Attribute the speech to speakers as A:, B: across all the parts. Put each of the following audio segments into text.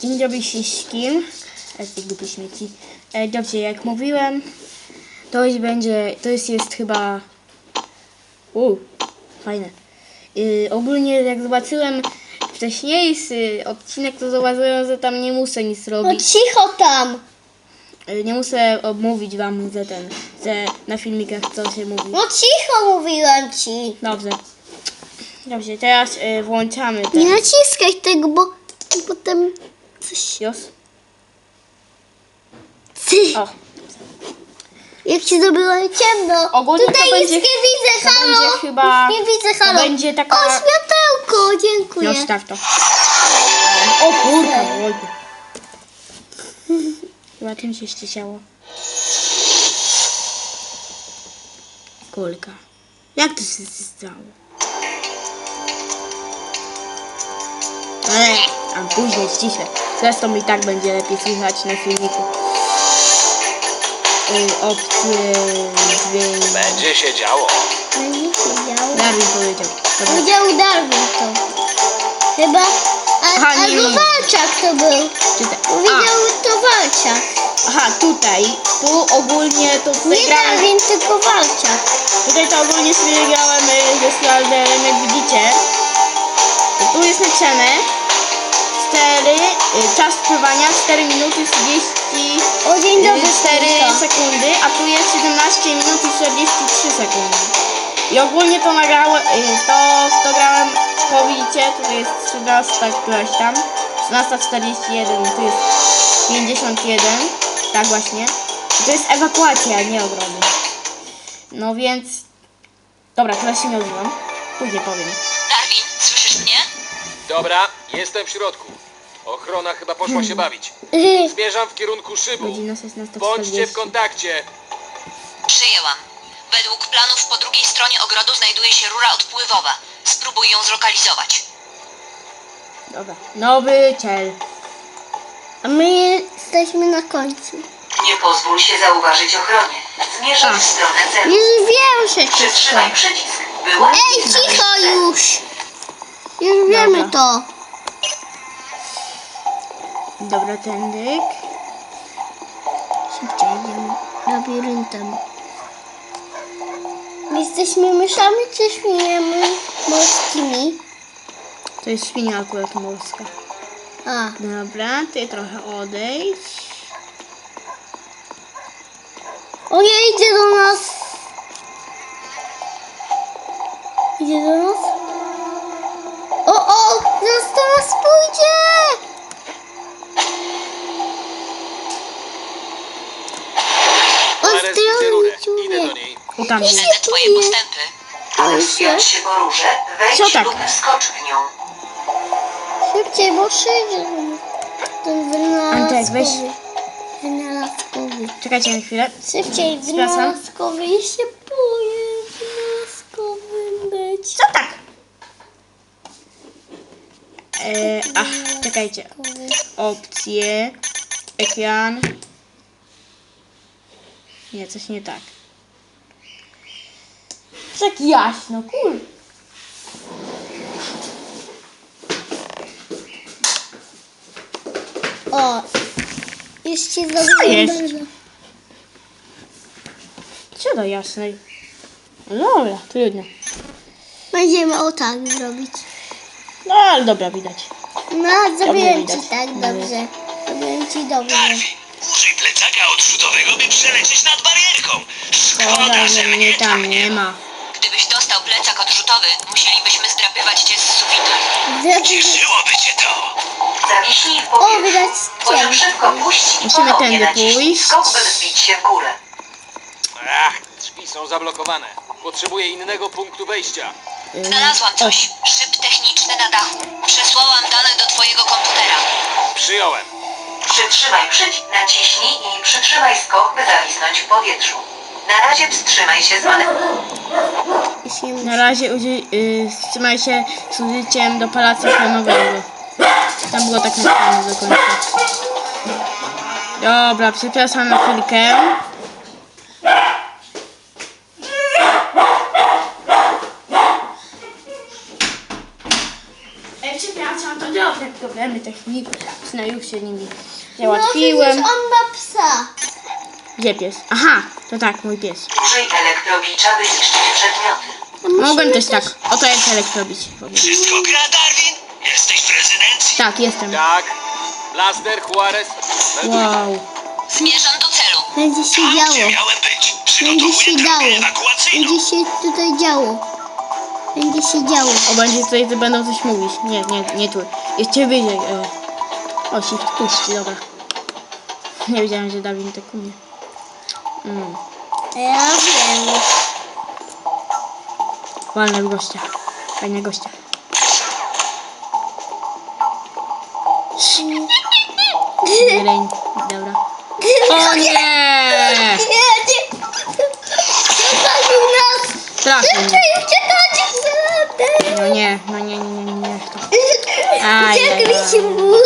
A: Dzień dobry wszystkim. Tych głupich śmieci. Dobrze, jak mówiłem, to już będzie, jest chyba... fajne. Ogólnie jak zobaczyłem wcześniejszy odcinek, to zauważyłem, że tam nie muszę nic
B: No
A: robić.
B: cicho tam.
A: Nie muszę mówić wam, że na filmikach co się mówi.
B: No cicho mówiłem ci.
A: Dobrze. Dobrze, teraz włączamy ten.
B: Nie naciskaj tego, bo potem coś...
A: Już?
B: Ty,
A: O,
B: jak ci zrobiło ciemno.
A: Ogólnie
B: Tutaj
A: to
B: nic
A: będzie-
B: nie widzę,
A: to
B: halo.
A: będzie chyba-
B: Nie widzę,
A: to
B: halo.
A: będzie taka-
B: O, światełko, dziękuję.
A: no staw to. O kurwa, oj. Chyba tym się ścisiało. Kulka. Jak to się stało? A później ściszę. Zresztą i tak będzie lepiej słychać na filmiku. Opcje dźwięk.
C: Będzie się działo.
B: Będzie siedział.
A: Darwin powiedział. Dobra.
B: Powiedział Darwin to. Chyba...
A: Aha, nie,
B: albo
A: nie.
B: Walczak to był.
A: Czytaj.
B: Powiedział to Walczak.
A: Aha, tutaj. Tu ogólnie to
B: Nie
A: grałem.
B: Darwin, tylko Walczak.
A: Tutaj to ogólnie sobie grałem ze Slalderem, jak widzicie. Tu jest napisane 4, czas trwania 4 minuty 30
B: O, dzień dobry,
A: 4
B: Stefka.
A: sekundy, a tu jest 17 minut i 43 sekundy. I ogólnie to nagrałem, to grałem, to widzicie, tutaj jest 13 któraś tam, 13:41, tu jest 51, tak właśnie. I to jest ewakuacja, nie ogrody. No więc, dobra, teraz się nie odzywam, później powiem.
D: Darwin, słyszysz mnie?
C: Dobra, jestem w środku. Ochrona chyba poszła się bawić. Zmierzam w kierunku szybu.
A: Godzina 16:40.
C: Bądźcie w kontakcie.
D: Przyjęłam. Według planów po drugiej stronie ogrodu znajduje się rura odpływowa. Spróbuj ją zlokalizować.
A: Dobra, nowy cel.
B: A my jesteśmy na końcu.
D: Nie pozwól się zauważyć ochronie. Zmierzaj w stronę celu.
B: Już wiem, że to
D: Przytrzymaj
B: są.
D: przycisk. Było?
B: Ej, cicho już! Już wiemy
A: Dobra.
B: to.
A: Dobra, tędyk. Szybciej idziemy.
B: Labiryntem. Jesteśmy myszami czy świniami morskimi?
A: To jest świnia akurat morska.
B: A,
A: Dobra, ty trochę odejdź.
B: o nie, idzie do nas. Idzie do nas? O, zaraz do nas pójdzie!
C: Zaraz widzę rurę. Idę do
B: Człowiek.
C: niej.
A: O tam jest.
D: Śledzę twoje postępy.
B: Ale
D: Wspiąć się po rurze, wejdź
A: Co tak?
D: lub wskocz w nią.
B: Szybciej, bo przyjdzie ten
A: Antek, weź.
B: wynalazkowy.
A: Czekajcie na chwilę.
B: Szybciej,
A: Przepraszam.
B: wynalazkowy. Ja się boję wynalazkowym być.
A: Co tak? Czekajcie. Opcje. Ekran. Nie, coś nie tak. Tak jaśno, cool.
B: O, jeszcze
A: jest?
B: zaglądam.
A: Co do jasnej? No dobra, trudno.
B: Będziemy o tak zrobić.
A: No ale dobra, widać.
B: No, zrobiłem
A: widać.
B: ci tak
A: Dobrze.
B: dobrze. Zrobiłem ci dobrze.
E: Użyj plecaka odrzutowego, by przelecieć nad barierką.
A: Szkoda,
E: Szkoda,
A: że mnie tam nie ma.
D: Gdybyś dostał plecak odrzutowy, musielibyśmy zdrapywać cię z sufitu.
E: Cieszyłoby cię to.
D: Zawiśnij w
B: O,
D: powietrzu.
B: widać
D: Poziom
B: cień.
D: szybko puść i
A: Musimy
D: ponownie
A: tędy
D: naciśnij
A: pójść.
D: skok, by wzbić się w górę.
C: Ach, drzwi są zablokowane. Potrzebuję innego punktu wejścia.
D: Znalazłam coś. Szyb techniczny na dachu. Przesłałam dane do twojego komputera.
C: Przyjąłem.
D: Przytrzymaj przycisk, naciśnij i przytrzymaj skok, by zawisnąć w powietrzu. Na razie wstrzymaj się z manewru.
A: Na razie wstrzymaj się z użyciem dopalacza flamowego. Tam było tak napisane do końca. Dobra, przepraszam na chwilkę. Przepraszam, to dobra. problemy techniczne, już się nimi
B: No
A: załatwiłem.
B: przecież on ma psa.
A: Gdzie pies? Aha, to tak, mój pies.
D: Użyj elektrobicza, by zniszczyć przedmioty.
A: Mogłem też tak. Oto jest elektrobić.
E: Wszystko gra, Darwin? Jesteś w rezydencji?
A: Tak, jestem.
C: Tak. Blaster, Juarez. Melduj.
A: Wow.
D: Zmierzam do celu.
B: Będzie się
E: Tam, gdzie
B: działo.
E: miałem być.
B: Będzie się
E: Przygotowuję
B: działo.
E: drogę ewakuacyjną.
B: Będzie się tutaj działo. Będzie się działo.
A: O, będzie tutaj, że będą coś mówić. Nie tu. Jeszcze wyżej. O, shift puści, dobra. Nie wiedziałem, że Dawid tak umie.
B: Ja wiem.
A: Walne w gościa. Fajne gościa. Reń. Dobra. O nie!
B: Zostawił nas.
A: Trafił mnie.
B: Uciekajcie.
A: No nie.
B: Uciekliśmy mu.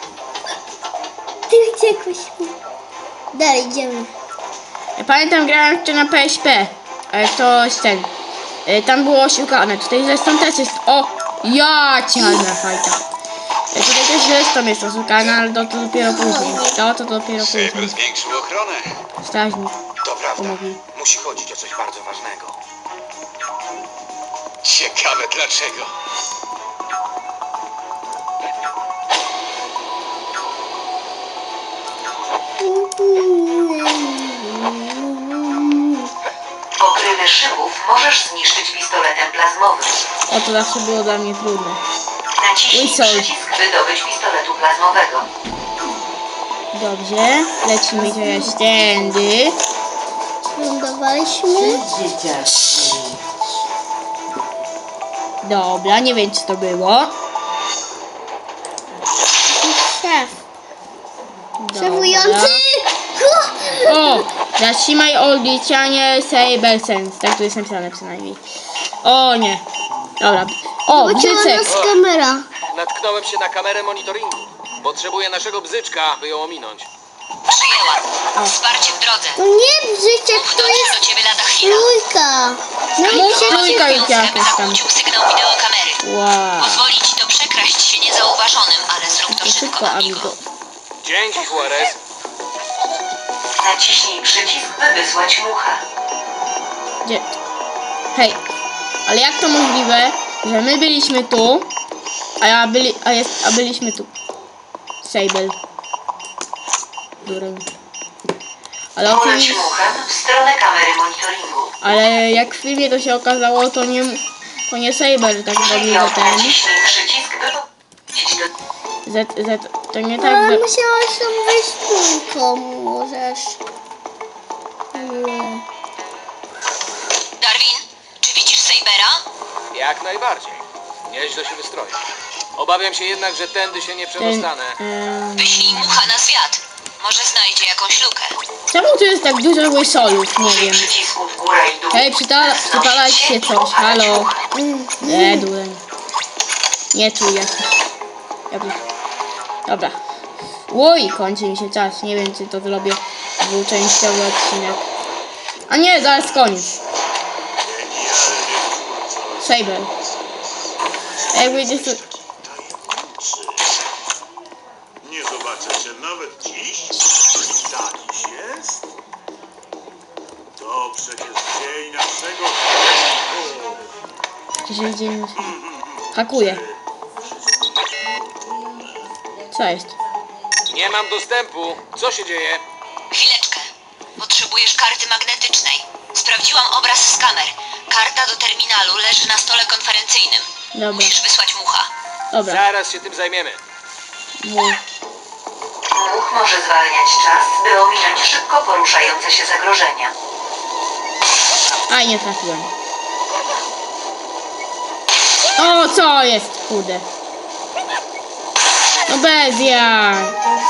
B: Ty uciekłeś mu. Dalej idziemy.
A: Ja pamiętam, grałem jeszcze na PSP. Ale to jest ten. Tam było oszukane. Tutaj zresztą też jest. O! Ja cialna fajta. Tutaj też zresztą jest oszukane, ale to dopiero później. To dopiero później.
F: Saber zwiększył ochronę.
A: Strażnik.
F: To prawda.
A: Pomogli.
F: Musi chodzić o coś bardzo ważnego. Ciekawe dlaczego.
D: Pokrywy szybów możesz zniszczyć pistoletem plazmowym.
A: O, to zawsze było dla mnie trudne.
D: Naciśnij
A: Whistle.
D: przycisk, by dobyć pistoletu plazmowego.
A: Dobrze. Lecimy teraz tędy.
B: Lądowaliśmy.
A: Dobra, nie wiem co to było.
B: Szef.
A: Dobra.
B: Szefujący.
A: O! Zatrzymaj odliczanie Saber Sense. Tak tu jest napisane przynajmniej. O nie. Dobra. O,
B: Pocięła
A: bzycek.
B: nas kamera.
C: Natknąłem się na kamerę monitoringu. Potrzebuję naszego bzyczka, by ją ominąć.
D: Przyjęłam. Wsparcie w drodze.
B: To nie brzyczek,
D: Mów
B: to
D: dotrze
B: jest
D: do ciebie lada chwila.
B: trójka. No i
A: Trójka
B: się
A: i
D: Mówiąc,
A: jakoś
D: aby
A: tam.
D: zakłócił sygnał wideokamery.
A: Wow.
D: Pozwoli ci to przekraść się niezauważonym, ale zrób to szybko,
A: Szybko,
D: amigo.
A: amigo.
C: Dzięki, Juarez.
D: Naciśnij przycisk, by wysłać mucha.
A: Gdzie? Hej. Ale jak to możliwe, że my byliśmy tu, a byliśmy tu? Sable. Dureń. Ale
D: Poleć
A: oczywiście,
D: muchem w stronę kamery monitoringu.
A: ale jak w filmie to się okazało, to nie Saber tak robił, że ten.
D: Naciśnij przycisk, by powiedzieć do...
A: To nie tak,
B: Ale
A: że...
B: musiałaś tam wejść trójką, możesz. Nie.
D: Darwin, czy widzisz Sabera?
C: Jak najbardziej. Nieźle się wystroił. Obawiam się jednak, że tędy się nie przedostanę.
D: Wyślij mucha na zwiat. Może znajdzie jakąś lukę.
A: Czemu tu jest tak dużo łysolów? Nie
D: Użyj
A: wiem.
D: przycisku w górę i dół.
A: Hej, przypalać się
D: i
A: coś,
D: opalać
A: halo.
D: mucha.
A: Dureń. Nie tu jesteś. Dobra. Oj, kończy mi się czas. Nie wiem, czy to zrobię dwuczęściowy odcinek. A nie, zaraz koniec. Saber. Jakby gdzieś tu...
G: Nie zobaczę cię nawet dziś. Tak jest? To przecież dzień naszego...
A: Dzisiaj dzień... Hakuje. Co jest?
C: Nie mam dostępu. Co się dzieje?
D: Chwileczkę. Potrzebujesz karty magnetycznej. Sprawdziłam obraz z kamer. Karta do terminalu leży na stole konferencyjnym.
A: Dobra.
D: Musisz wysłać mucha.
A: Dobra.
C: Zaraz się tym zajmiemy.
A: Mów.
D: Much może zwalniać czas, by ominąć szybko poruszające się zagrożenia.
A: Aj, nie trafiłem. O, co jest? Kurde. No bez jaj.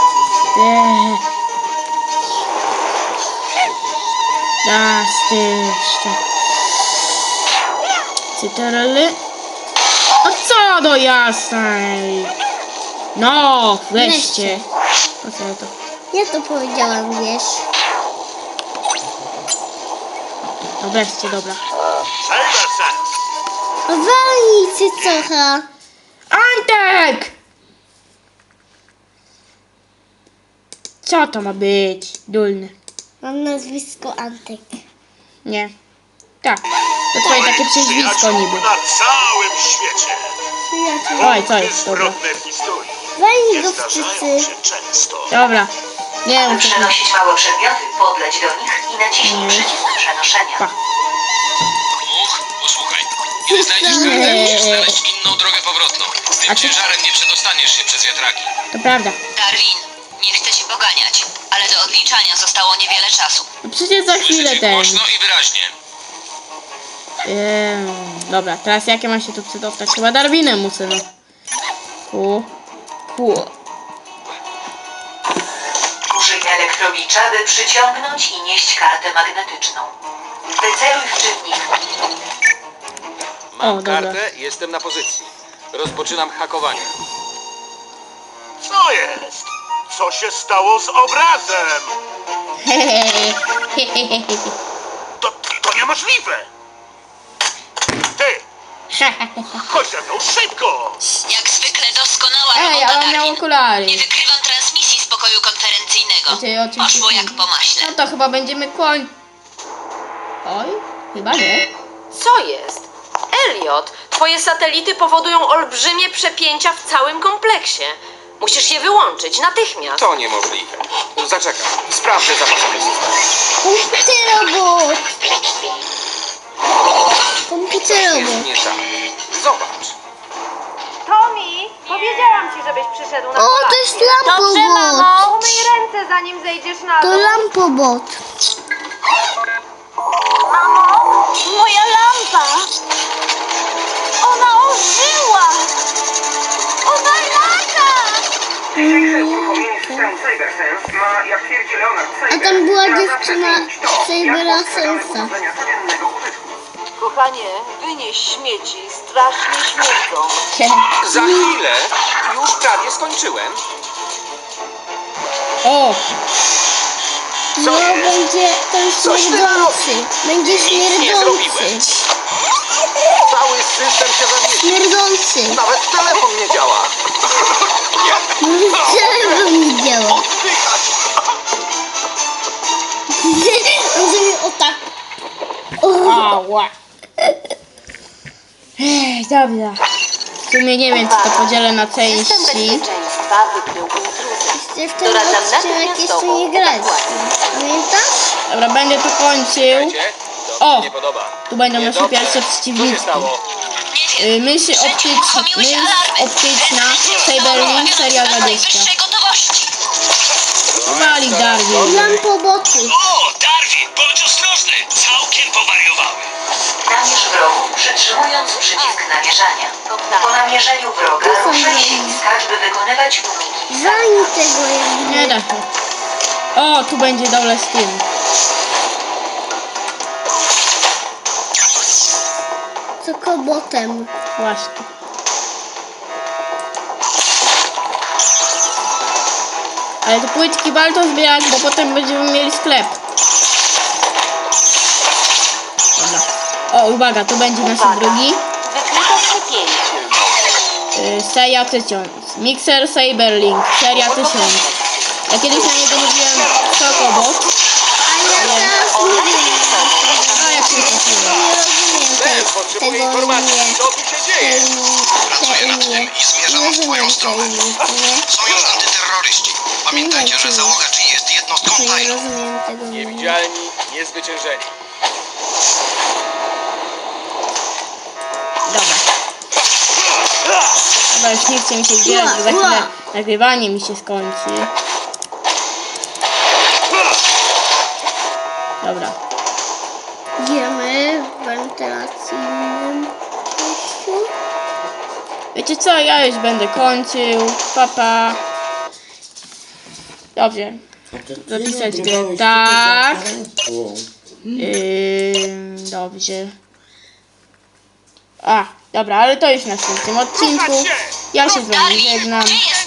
A: Cytarele. A co do jasnej? No, weźcie. Po co ja to?
B: Ja to powiedziałam, wiesz.
A: No weźcie, dobra.
G: Saber Sense!
B: Walnij cycocha.
A: Antek! Co to ma być? Dulny.
B: Mam nazwisko Antek.
A: Nie. Tak. To twoje takie przezwisko
G: Przyjaciół
A: niby.
G: na całym świecie.
B: Przyjaciół.
A: Oj, co jest? Dobra.
G: Zbrodne w historii
B: Weź
G: nie
B: go
G: zdarzają
B: wszyscy.
G: się często.
A: Dobra. Nie
D: Aby
A: wiem, co to
D: przenosić małe przedmioty, podleć do nich i naciśnij przycisk przenoszenia.
A: Pa.
C: Posłuchaj. Kiedy znajdziesz kartę, musisz znaleźć inną drogę powrotną. Z tym ciężarem nie przedostaniesz się przez wiatraki.
A: To prawda.
D: Darwin, nie chcę cię poganiać, ale do odliczania zostało niewiele czasu.
A: No przecież za chwilę
C: Słyszysz ich
A: ten.
C: głośno i wyraźnie.
A: Dobra, teraz jakie mam się tu przedostać? Chyba Darwinem muszę, no.
D: Użyj elektrowicza, by przyciągnąć i nieść kartę magnetyczną. Wyceluj w czytnik.
C: Mam
A: O, dobra.
C: kartę, jestem na pozycji. Rozpoczynam hakowanie.
G: Co jest? Co się stało z obrazem? To niemożliwe! Ty! Chodź ze mną szybko!
D: Jak zwykle doskonała
A: Ej,
D: robota,
A: ale on miał
D: Darwin.
A: okulary.
D: Nie wykrywam transmisji z pokoju konferencyjnego.
A: Znaczy, oczywiście
D: Poszło
A: nie.
D: jak po maśle.
A: No to chyba będziemy Oj, chyba nie.
H: Co jest? Elliot, twoje satelity powodują olbrzymie przepięcia w całym kompleksie. Musisz je wyłączyć natychmiast.
C: To niemożliwe. Zaczekam. Sprawdzę zapasowy system.
B: Komputerobot.
C: Jest
B: Komputerobot.
C: nie tak. Zobacz.
I: Tomi, powiedziałam ci, żebyś przyszedł na
B: O, to
I: kolację.
B: jest lampobot.
I: Umyj ręce, zanim zejdziesz na
B: To
I: dół.
B: lampobot.
I: Moja lampa! Ona ożyła! Ona lata!
B: A tam była dziewczyna Cybera Sensa.
H: Kochanie, wynieś śmieci, strasznie śmierdzą.
C: Za chwilę. Już prawie skończyłem.
A: O,
B: No będzie ten
C: Coś ty
B: śmierdzący. Będzie
C: Nic nie
B: śmierdzący.
C: zrobiłem. Cały system się zawiesił.
B: Śmierdzący.
C: Nawet telefon nie działa.
B: Czego nie działa?
C: Oddychać.
B: On zrobił o tak.
A: ała. Ej, dobra. W sumie nie wiem, czy to podzielę na
H: System
A: części.
H: bezpieczeństwa wykrył intruzę.
B: Jeszcze w ten
H: Doradzam
B: odcinek jeszcze
H: natychmiastową
B: nie grać.
H: ewakuację.
B: Pamiętasz?
A: Dobra, będę to kończył.
C: Słuchajcie, to
A: O!
C: mi nie podoba.
A: Tu będą nasze
C: Niedobrze.
A: pierwsze
C: Co się
A: przeciwniczki.
C: stało?
D: Nie wiem.
A: Myśl
D: Wszędzie uruchomiły się alarmy.
A: optyczna,
D: Bezpieczeństwo
A: Cyberlink,
D: zostało
A: seria
D: uruchomione
A: 20.
D: z najwyższej gotowości.
A: Wali Darwin.
B: Lampoboty.
E: O, Darwin, bądź ostrożny! Całkiem powariowały.
D: Namierz wrogów, przytrzymując przycisk namierzania. Po namierzeniu wroga
B: To są
D: ruszaj
B: wrogi.
D: ślizgacz, by wykonywać uniki.
B: Zanim tego jakby.
A: Nie da się. O, tu będzie dole z tym.
B: Co kobotem.
A: Właśnie. Ale te płytki warto zbierać, bo potem będziemy mieli sklep. Dobra. O, uwaga, to będzie nasz drugi.
H: Wykryto przepięcie.
A: Seria 1000. Mixer Cyberlink. Seria 1000. Ja kiedyś na niego mówiłem Kokobot.
B: A ja teraz mówię.
A: A jak się trafiłem.
B: Nie rozumiem
C: Też potrzebuję
B: tego
C: informacji,
B: imię.
C: co tu się dzieje.
E: Pracuję nad tym i zmierzam w twoją stronę. Są już antyterroryści. Pamiętajcie, że załoga G jest jednostką
B: Nie
E: tajną.
B: rozumiem tego imienia.
C: Niewidzialni, niezwyciężeni.
A: Dobra. Dobra, już nie chce mi się zbierać, bo za chwilę nagrywanie mi się skończy. Dobra.
B: Idziemy w wentylacyjnym przejściu.
A: Wiecie co, ja już będę kończył. Papa. Dobrze. Zapisać go tak. Dobrze. A, dobra, ale to już w następnym odcinku. Ja się z wami żegnam.
D: Gdzie jest